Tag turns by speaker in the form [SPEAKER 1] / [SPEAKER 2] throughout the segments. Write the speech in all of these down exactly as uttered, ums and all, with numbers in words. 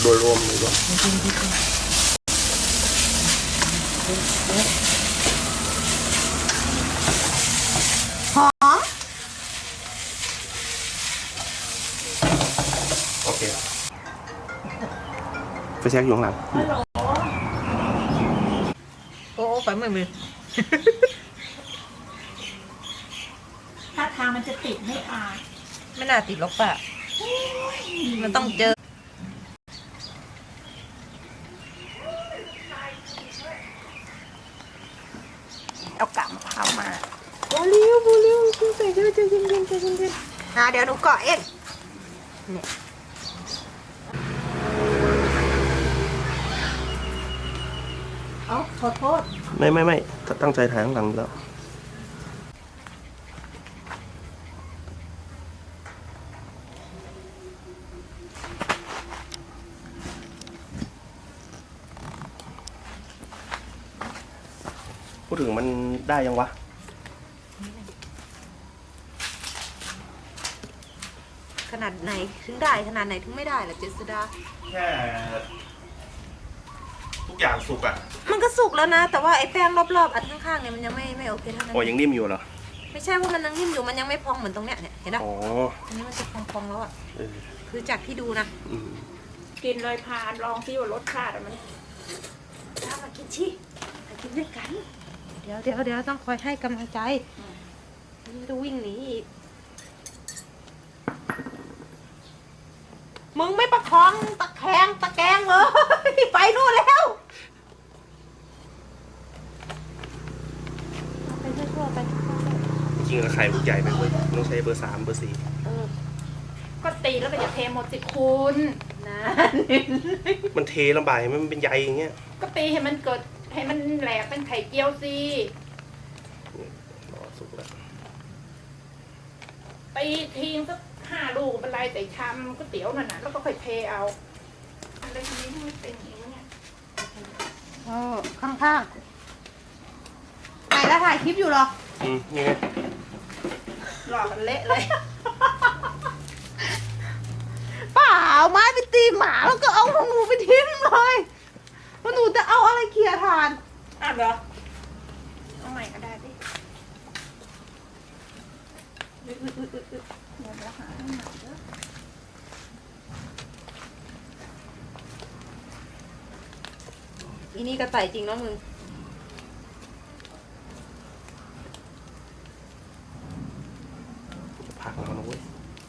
[SPEAKER 1] โดยรวมเลยว่า
[SPEAKER 2] หอม
[SPEAKER 1] โอเคไปเช็คอยู่ข้างหลัง
[SPEAKER 2] โอ้ไปมือมือ
[SPEAKER 3] ถ้าทางมันจะติดไม่อาด
[SPEAKER 2] ไม่น่าติดหรอกป่ะมันต้องเจอเอากะมะพร้าวมาโบลิวโบลิวกินใส่เยอะใจเย็นเย็นใจเย็นเย็นอ่ะเดี๋ยวหนูเกาะเองเนี่ยเอาขอโทษ
[SPEAKER 1] ไม่ไม่ไม่ตั้งใจถ่ายข้างหลังแล้วพูดถึงมันได้ยังวะ
[SPEAKER 2] ขนาดไหนถึงได้ขนาดไหนถึงไม่ได้ล่ะเจษดา
[SPEAKER 1] แค่ทุกอย่างสุกอ่ะ
[SPEAKER 2] มันก็สุกแล้วนะแต่ว่าไอ้แป้งรอบๆอันข้างๆเนี่ยมันยังไม่ไม่โอเคเท่านั้น
[SPEAKER 1] โอ้ยังนิ่มอยู่เหรอ
[SPEAKER 2] ไม่ใช่ว่ามันยังนิ่มอยู่มันยังไม่พองเหมือนตรงเนี้ยเนี่ยเห็นไหม
[SPEAKER 1] อ๋อ
[SPEAKER 2] อันนี้มันจะพองๆแล้วอ่ะคือจากที่ดูนะ
[SPEAKER 3] กินเลยพานลองซิว่ารสชาติมัน
[SPEAKER 2] ถ้ามากินชิมากินด้วยกันเดี๋ยวเดี๋ยวเดี๋ยวต้องคอยให้กำลังใจมันจะวิ่งหนีอีกมึงไม่ประคองตะแคงตะแกงเลยไปนู่นแล้วไปทั่วๆไป
[SPEAKER 1] จริงๆไข่ลูกใหญ่ไปเลยต้องใช้เบอร์สามเบอร์สี่
[SPEAKER 3] ก็ตีแล้วก็อย่าเทหมดสิคุณ
[SPEAKER 2] นะ
[SPEAKER 1] มันเทลำบากมันเป็นใยอย่างเงี้ย
[SPEAKER 3] ก็ตีให้มันเกิดให้มันแหลกเป็นไข่เจียวสิ
[SPEAKER 1] รอสุกแล้ว
[SPEAKER 3] ตีทิ้งสักห้าลูกเป็นไรแต่ชามก๋วยเตี๋ยวนั่นน่ะแล้วก็ค่อยเทเอาอะไรทีนี้ไม่เป็นอย่างนี้เนี่ย
[SPEAKER 2] โอ้ข้างๆไหนแล้วถ่ายคลิปอยู่หรอ
[SPEAKER 1] อืมยังไง
[SPEAKER 2] หลอกกันเละเลยเปล่าไม้ไปตีหมาแล้วก็เอาของหนูไปทิ้งเลยว่าหนูจะเอาอะไรเคลียร์ทาน
[SPEAKER 3] อ่ะเหรอเอาใหม่ก็ได้ดิเดี๋ยวเราหาให้ใหม่เด้อ
[SPEAKER 2] อีนี่ก็ใส่จริงเนาะมึง
[SPEAKER 1] ผักเราเว้ย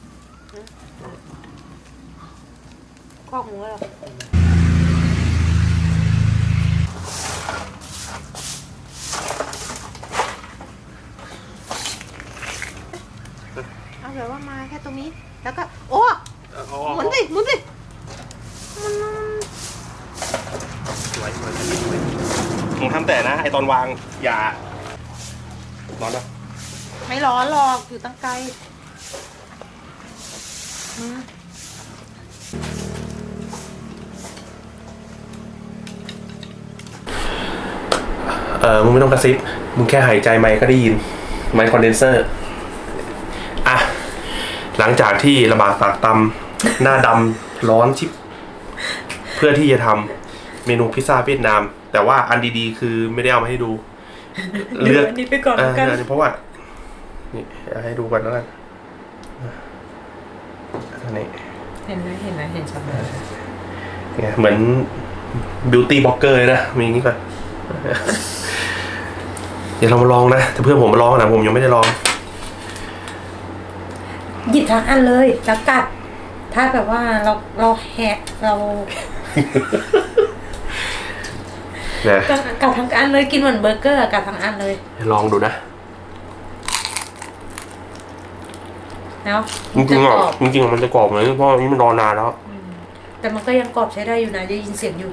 [SPEAKER 2] ข้อหมูเหรอเอาแบบว่ามาแค่ตรงนี้แล้วก็โอ้หมุนสิหมุนสิมัน
[SPEAKER 1] ไว้ไว้มึงทำแต่นะไอตอนวางอย่าร้อนปะ
[SPEAKER 2] ไม่ร้อนหรอกอยู่ตั้งไกล
[SPEAKER 1] เออมึงไม่ต้องกระซิบมึงแค่หายใจไมค์ก็ได้ยินไมค์คอนเดนเซอร์อ่ะหลังจากที่ระบาดปากตำหน้าดำร้อนชิบเพื่อที่จะทำเมนูพิซซ่าเวียดนามแต่ว่าอันดีๆคือไม่ได้เอามาให้ดู
[SPEAKER 2] เลือกอันนี้ไปก่อนกัน
[SPEAKER 1] เพราะว่านี่ให้ดูก่อนแล้วกันอันนี้
[SPEAKER 2] เห็นไหมเห็นไหมเห็นชัดเลย
[SPEAKER 1] เนี่ยเหมือนบิวตี้บล็อกเกอร์เลยนะมีอย่างนี้ก่อนเดี๋ยวเรามาลองนะแต่เพื่อนผมมาลองนะผมยังไม่ได้ลอง
[SPEAKER 2] หยิบทั้งอันเลยแล้วกัดถ้าแบบว่าเราเราแหกเรากัดทั้งอันเลยกินเหมือนเบอร์เกอร์กัดทั้งอันเลย
[SPEAKER 1] ลองดูนะ
[SPEAKER 2] แล้ว
[SPEAKER 1] จริงๆอ่ะจริงๆมันจะกรอบเลยเพราะนี้มันรอนานแล้ว
[SPEAKER 2] แต่มันก็ยังกรอบใช้ได้อยู่นะได้ยินเสียงอยู่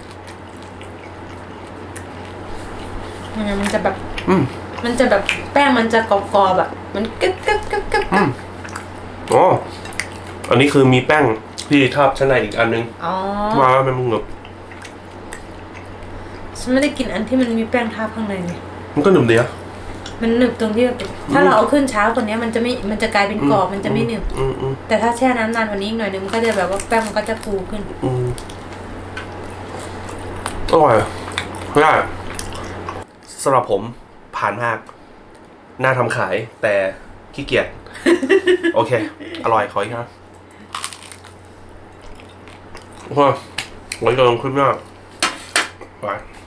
[SPEAKER 2] มันจะแบบมันจะแบบแป้งมันจะกรอบๆแบบมันกึ๊บกึ๊บกึ๊บกึ๊บ
[SPEAKER 1] อ๋ออันนี้คือมีแป้งที่ทาบชั้นในอีกอันนึงมาแล้วมันหนึบ
[SPEAKER 2] ฉันไม่ได้กินอันที่มันมีแป้งทาบข้างในไง
[SPEAKER 1] มันก็หนึบดีอะ
[SPEAKER 2] มันหนึบตรงที่ถ้าเราเอาขึ้นเช้ากว่านี้มันจะไม่มันจะกลายเป็นกรอบมันจะไม่หนึบแต่ถ้าแช่น้ำนานกว่านี้อีกหน่อยนึงมันก็จะแบบว่าแป้งมันก็จะฟูขึ้น
[SPEAKER 1] อร่อยไม่ได้สำหรับผมผ่านมากน่าทำขายแต่ขี้เกียจ โอเค อร่อยขออีกครับโอ้โหไว้ลองขึ้นมากไป